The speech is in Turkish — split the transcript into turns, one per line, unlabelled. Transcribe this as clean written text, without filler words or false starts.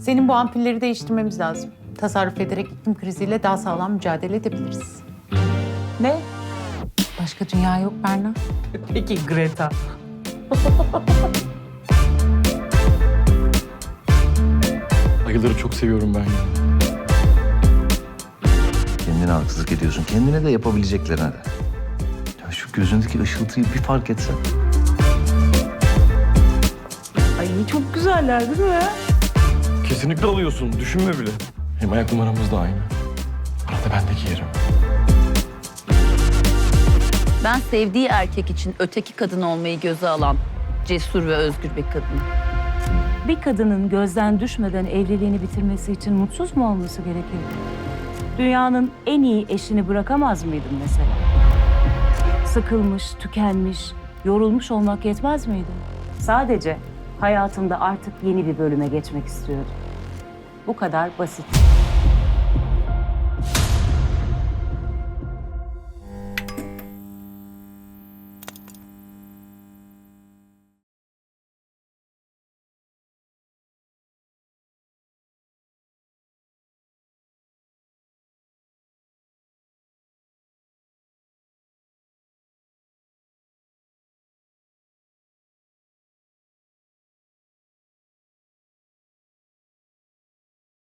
Senin bu ampulleri değiştirmemiz lazım. Tasarruf ederek iklim kriziyle daha sağlam mücadele edebiliriz.
Ne? Başka dünya yok Berna.
Peki Greta.
Ayıları çok seviyorum ben ya.
Kendine haksızlık ediyorsun. Kendine de yapabileceklerine de. Ya şu gözündeki ışıltıyı bir fark etsen.
Ay çok güzeller değil mi?
Kesinlikle alıyorsun. Düşünme bile. Hem ayak numaramız da aynı. Arada ben de giyerim.
Ben sevdiği erkek için öteki kadın olmayı göze alan cesur ve özgür bir kadın.
Bir kadının gözden düşmeden evliliğini bitirmesi için mutsuz mu olması gerekir? Dünyanın en iyi eşini bırakamaz mıydın mesela? Sıkılmış, tükenmiş, yorulmuş olmak yetmez miydi? Sadece hayatımda artık yeni bir bölüme geçmek istiyordum. Bu kadar basit.